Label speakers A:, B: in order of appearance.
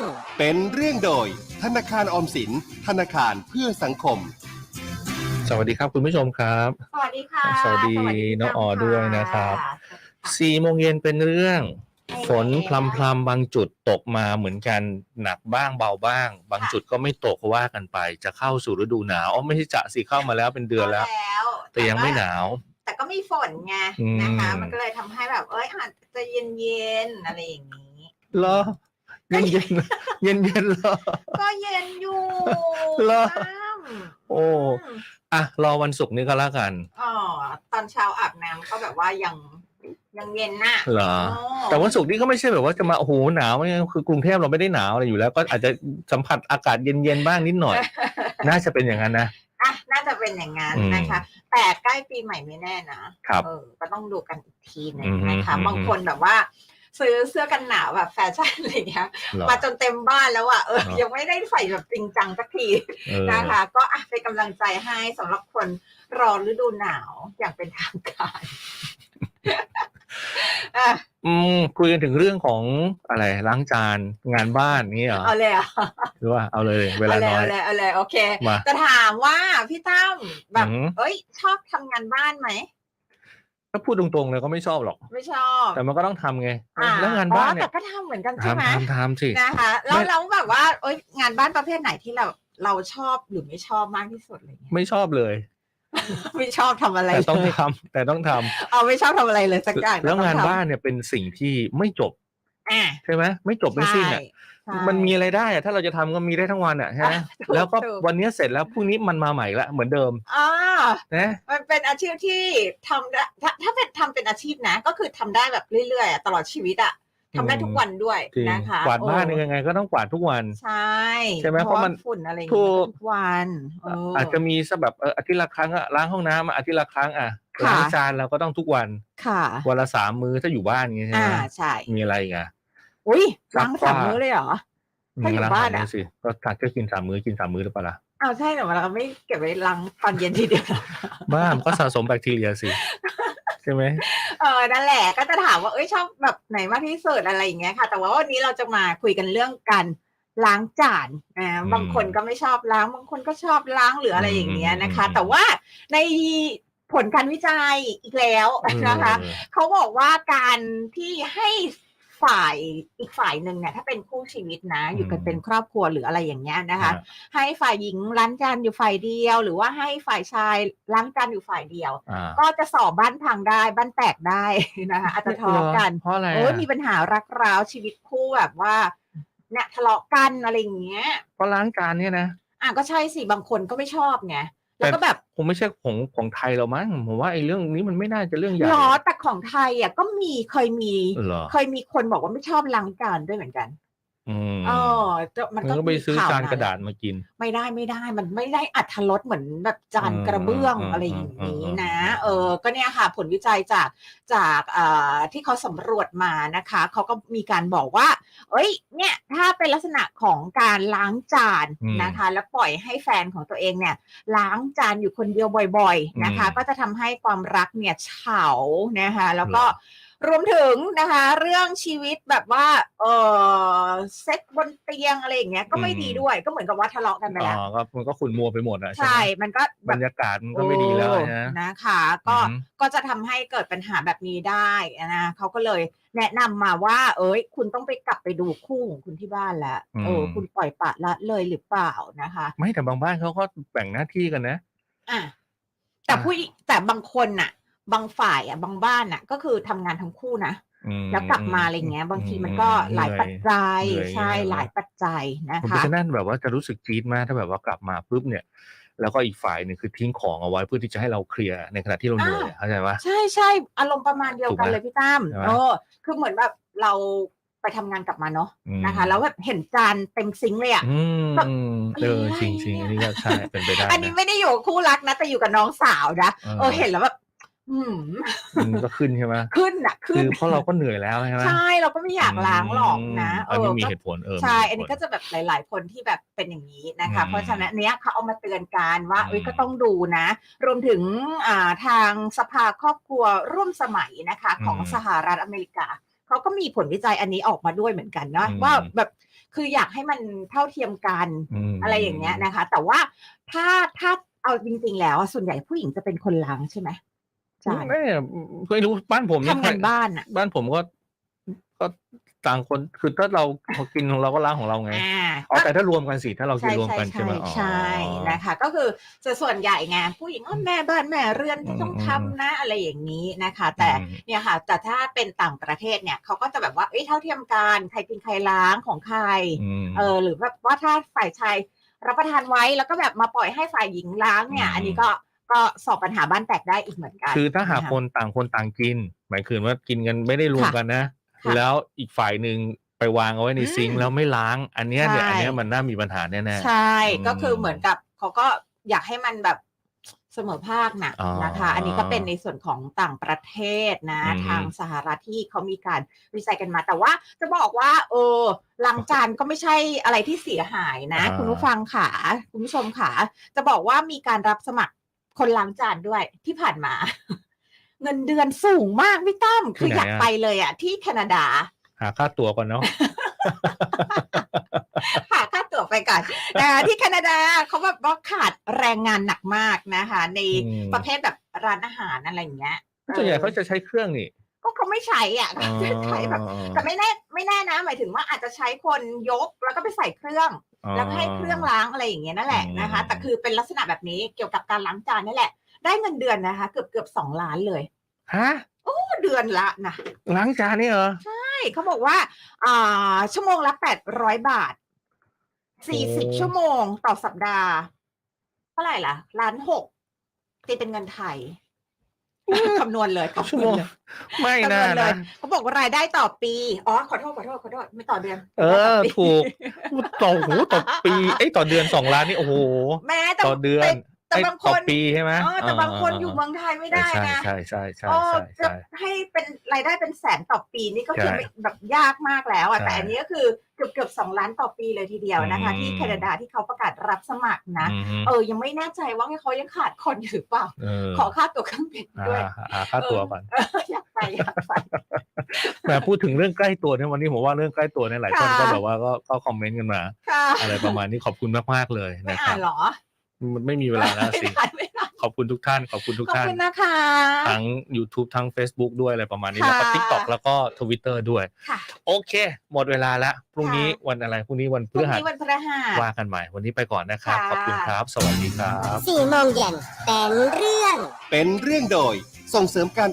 A: เป็นเรื่องโดยธนาคารออมสินธนาคารเพื่อสังคม
B: สวัสดีครับคุณผู้ชมครับ
C: สวัสดีค่ะ
B: สวัสดีน้องออด้วยนะครับ4 โมงเย็นเป็นเรื่องฝนพรำๆบางจุดตกมาเหมือนกันหนักบ้างเบาบ้างบางจุดก็ไม่ตกว่ากันไปจะเข้าสู่ฤดูหนาวไม่ใช่จะสิเข้ามาแล้วเป็นเดือนแล้วแต่ยังไม่หนาว
C: แต่ก็มีฝนไงนะคะมันก็เลยทำให้แบบอาจจะเย็นๆอะไรอย่างนี้
B: เหรอเย็นเย็นเหรอ
C: ก็เย็นอยู่
B: เหรอโอ้รอวันศุกร์นี้ก็แล้วกัน
C: ตอนเช้าอาบน้ำก็แบบว่ายังเย็นน่ะ
B: เหรอแต่วันศุกร์นี้ก็ไม่ใช่แบบว่าจะมาโอ้โหหนาวคือกรุงเทพเราไม่ได้หนาวอะไรอยู่แล้วก็อาจจะสัมผัสอากาศเย็นๆบ้างนิดหน่อยน่าจะเป็นอย่างนั้นนะ
C: น่าจะเป็นอย่างนั้นนะคะแต่ใกล้ปีใหม่ไม่แน่นะครับก็ต้องดูกันอีกทีนึงนะคะบางคนแบบว่าซื้อเสื้อกันหนาวแบบแฟชั่นอะไรเงี้ยมาจนเต็มบ้านแล้วยังไม่ได้ใส่แบบจริงจังสักทีนะคะก็เป็นกำลังใจให้สำหรับคนรอฤดูหนาวอย่างเป็นทางการ
B: คุยกันถึงเรื่องของอะไรล้างจานงานบ้านนี่เหรอ
C: เอาเลย
B: หรือว่าเอาเลยเวลาน้อย
C: เอาเลยโอเคจะถามว่าพี่ตั้มแบบชอบทำงานบ้านไหม
B: ถ้าพูดตรงๆเลยก็ไม่ชอบหรอก
C: ไม่ชอบ
B: แต่มันก็ต้องทำไงแล้วงานบ้านเนี่ย
C: แต่ก็ทำเหมือนกันใช่ไหม
B: ทำสิ
C: นะคะแล้วแบบว่างานบ้านประเภทไหนที่เราชอบหรือไม่ชอบมากที่สุดเลย
B: ไม่ชอบเลย
C: ไม่ชอบทำอะไร
B: แต่ต้องทำ
C: ไม่ชอบทำอะไรเลยสักอย่าง
B: แล้วงานบ้านเนี่ยเป็นสิ่งที่ไม่จบใช่ไหมไม่จบไม่สิ้นมันมีอะไรได้ถ้าเราจะทำก็มีได้ทั้งวันใช่ไหมแล้วก็วันนี้เสร็จแล้วพรุ่งนี้มันมาใหม่ละเหมือนเดิม
C: นะมันเป็นอาชีพที่ทำได้ถ้าเป็นอาชีพนะก็คือทำได้แบบเรื่อยๆตลอดชีวิตทำได้ทุกวันด้วยนะคะ
B: กวาดบ้านยังไงก็ต้องกวาดทุกวัน
C: ใช่
B: ไหมเพราะมัน
C: ฝุ่นอะไรทุกวัน
B: อาจจะมีสักแบบอาทิตย์ละครั้งล้างห้องน้ำอาทิตย์ละครั้งล้างจานเราก็ต้องทุกวันวันละ3 มื้อถ้าอยู่บ้านอย่างงี้ใช่ไหม
C: ใช่
B: มีอะไรอีก
C: ล้าง3 มื้อเลยเหรอถ้าอยู่บ้าน
B: สิก็ถัดก็กิน3 มื้อกิน3 มื้อหรือเปล่า
C: ใช่แต่เราไม่เก็บไว้ล้างตอนเย็นทีเดียว
B: บ้ามันก็สะสมแบคทีเรียสิใช่ไหม
C: นั่นแหละก็จะถามว่าชอบแบบไหนมากที่สุดอะไรอย่างเงี้ยค่ะแต่ว่าวันนี้เราจะมาคุยกันเรื่องการล้างจานบางคนก็ไม่ชอบล้างบางคนก็ชอบล้างหรืออะไรอย่างเงี้ยนะคะแต่ว่าในผลการวิจัยอีกแล้วนะคะเขาบอกว่าการที่ให้อีกฝ่ายหนึ่งเนี่ยถ้าเป็นคู่ชีวิตนะอยู่กันเป็นครอบครัวหรืออะไรอย่างเงี้ยนะคะให้ฝ่ายหญิงล้างจานอยู่ฝ่ายเดียวหรือว่าให้ฝ่ายชายล้างจานอยู่ฝ่ายเดียวก็จะสอบบ้านพังได้บ้านแตกได้นะคะอาจจะทะเลาะกัน
B: เพราะอะไร
C: มีปัญหารักร้าวชีวิตคู่แบบว่าเนี่ยทะเลาะกันอะไรอย่างเงี้ย
B: เพราะล้างจานเนี่ยนะ
C: ก็ใช่สิบางคนก็ไม่ชอบไงแล้วก็แบบ
B: คงไม่ใช่ของไทยเรามั้งผมว่าไอ้เรื่องนี้มันไม่น่าจะเรื่องใหญ่
C: แต่ของไทยก็เคยมีคนบอกว่าไม่ชอบล้างจานด้วยเหมือนกัน
B: มันก็ไปซื้อจานกระดาษมากิน
C: ไม่ได้มันไม่ได้อรรถรสเหมือนแบบจานกระเบื้องอะไรอย่างนี้นะก็เนี่ยค่ะผลวิจัยจากที่เขาสำรวจมานะคะเขาก็มีการบอกว่าเนี่ยถ้าเป็นลักษณะของการล้างจานนะคะแล้วปล่อยให้แฟนของตัวเองเนี่ยล้างจานอยู่คนเดียวบ่อยๆนะคะก็จะทำให้ความรักเนี่ยเฉานะคะแล้วก็รวมถึงนะคะเรื่องชีวิตแบบว่าเซ็กบนเตียงอะไรอย่างเงี้ยก็ไม่ดีด้วยก็เหมือนกับว่าทะเลาะกันไปแล้ว
B: มันก็ขุ่นมัวไปหมด
C: ใช่มันก็
B: บรรยากาศมันก็ไม่ดีแล้ว
C: นะคะก็จะทำให้เกิดปัญหาแบบนี้ได้นะเขาก็เลยแนะนำมาว่าคุณต้องไปกลับไปดูคู่ของคุณที่บ้านแล้วคุณปล่อยปละละเลยหรือเปล่านะคะ
B: ไม่แต่บางบ้านเขาก็แบ่งหน้าที่กันนะ
C: แต่บางคนน่ะบางฝ่ายบางบ้านน่ะก็คือทำงานทั้งคู่นะแล้วกลับมาอะไรเงี้ยบางทีมันก็หลายปัจจัยใช่หลายปัจจัยนะคะ
B: เพราะฉะนั้นแบบว่าจะรู้สึกจี๊ดมากถ้าแบบว่ากลับมาปุ๊บเนี่ยแล้วก็อีกฝ่ายนึงคือทิ้งของเอาไว้เพื่อที่จะให้เราเคลียร์ในขณะที่เราเหนื่อยเข้าใจปะ
C: ใช่อารมณ์ประมาณเดียวกันเลยพี่ตั้มคือเหมือนแบบเราไปทำงานกลับมาเนาะนะคะแล้วแบบเห็นจานเต็มซิงค์เลย
B: จริงๆอันนี้ก็ใช่เป็นไปได้
C: อันนี้ไม่ได้อยู่คู่รักนะแต่อยู่กับน้องสาวนะเห็นแล้วแบบ
B: มันก็ขึ้นใช่ไหม
C: ขึ้น
B: คือเพราะเราก็เหนื่อยแล้วใช่ไหม
C: ใช่เราก็ไม่อยากล้างหรอกนะ
B: อันนี้มีเหตุผล
C: ใช่อันนี้ก็จะแบบหลายๆคนที่แบบเป็นอย่างนี้นะคะเพราะฉะนั้นเนี้ยเขาเอามาเตือนกันว่าก็ต้องดูนะรวมถึงทางสภาครอบครัวร่วมสมัยนะคะของสหรัฐอเมริกาเขาก็มีผลวิจัยอันนี้ออกมาด้วยเหมือนกันนะว่าแบบคืออยากให้มันเท่าเทียมกันอะไรอย่างเงี้ยนะคะ แต่ว่าถ้าเอาจริงๆแล้วส่วนใหญ่ผู้หญิงจะเป็นคนล้างใช่ไหมจาน
B: ไม่รู้บ้านผมเนี่ย
C: ทำงานบ้านอ่ะ
B: บ้านผมก็ต่างคนคือถ้าเรากินของเราก็ล้างของเราไงแต่ถ้ารวมกันสิถ้าเรากินรวมกันใช่ไหม
C: ใช่นะคะก็คือส่วนใหญ่ไงผู้หญิงแม่บ้านแม่เรือนที่ต้องทำนะอะไรอย่างนี้นะคะ แต่เนี่ยค่ะแต่ถ้าเป็นต่างประเทศเนี่ยเขาก็จะแบบว่าเท่าเทียมกันใครกินใครล้างของใครหรือแบบว่าถ้าฝ่ายชายรับประทานไว้แล้วก็แบบมาปล่อยให้ฝ่ายหญิงล้างเนี่ยอันนี้ก็สอบปัญหาบ้านแตกได้อีกเหมือนกัน
B: คือถ้าหากคนต่างกินหมายถึงว่ากินกันไม่ได้รวมกันนะแล้วอีกฝ่ายหนึ่งไปวางเอาไว้ในซิงค์แล้วไม่ล้างอันเนี้ยมันน่ามีปัญหาแน่
C: ๆใช่ก็คือเหมือนกับเขาก็อยากให้มันแบบเสมอภาคนะคะอันนี้ก็เป็นในส่วนของต่างประเทศนะทางสหรัฐที่เขามีการวิจัยกันมาแต่ว่าจะบอกว่าล้างจานก็ไม่ใช่อะไรที่เสียหายนะคุณผู้ฟังค่ะคุณผู้ชมค่ะจะบอกว่ามีการรับสมัครคนล้างจานด้วยที่ผ่านมาเงินเดือนสูงมากพี่ตั้มคืออยากไปเลยอ่ะที่แคนาดา
B: หาค่าตั๋วก่อนเนาะ
C: หาค่าตั๋วไปก่อนที่แคนาดาเขาแบบว่าขาดแรงงานหนักมากนะคะในประเภทแบบร้านอาหารอะไรอย่างเงี้ย
B: ส่วนใหญ่เขาจะใช้เครื่องนี่
C: ก็เขาไม่ใช้อ่ะใช้แบบแต่ไม่แน่นะหมายถึงว่าอาจจะใช้คนยกแล้วก็ไปใส่เครื่องแล้วให้เครื่องล้างอะไรอย่างเงี้ยนั่นแหละนะคะแต่คือเป็นลักษณะแบบนี้เกี่ยวกับการล้างจานนี่แหละได้เงินเดือนนะคะเกือบ2 ล้านเลย
B: ฮะ
C: เดือนละนะ
B: ล้างจานนี่เหรอ
C: ใช่เขาบอกว่าชั่วโมงละ800 บาท40 ชั่วโมงต่อสัปดาห์เท่าไหร่ล่ะ1.6 ล้านตีเป็นเงินไทยคำนวณเลย
B: ชั่วโมงไม่น่านะ
C: เขาบอกว่ารายได้ต่อปีขอโทษไม่ต่อเดือน
B: ถูกต่อปีต่อเดือน2 ล้านนี่โอ้โห
C: แม้
B: ต่อเดือน
C: แต่บางคน
B: ปีใช่ไหม
C: แต่บางคนอยู่เมืองไทยไม่ได้นะ
B: ใช่
C: จะให้เป็นรายได้เป็นแสนต่อปีนี่ก็คือแบบยากมากแล้วแต่อันนี้ก็คือเกือบ2 ล้านต่อปีเลยทีเดียวนะคะที่แคนาดาที่เขาประกาศรับสมัครนะยังไม่แน่ใจว่าเขายังขาดคนอยู่หรือเปล่าขอค่าตั๋วเครื่องบินด้วย
B: ค่าตั๋วก่อน
C: อยากไป
B: แต่พูดถึงเรื่องใกล้ตัวเนี่ยวันนี้ผมว่าเรื่องใกล้ตัวเนี่ยหลายคนก็แบบว่าก็คอมเมนต์กันมาอะไรประมาณนี้ขอบคุณมากๆเลยนะครับมันไม่มีเวลาแล้วสิขอบคุณทุกท่านขอบคุณ
C: นะคะ
B: ทั้ง YouTube ทั้ง Facebook ด้วยอะไรประมาณนี้แล้วก็ TikTok แล้วก็ Twitter ด้วยโอเคหมดเวลาแล้วพรุ่งนี้วันอะไรพรุ่งนี้วันพฤหัสว่ากันใหม่วันนี้ไปก่อนนะครับขอบคุณครับสวัสดีครับ
D: 4 โมงเย็นเป็นเรื่อง
A: โดยส่งเสริมการ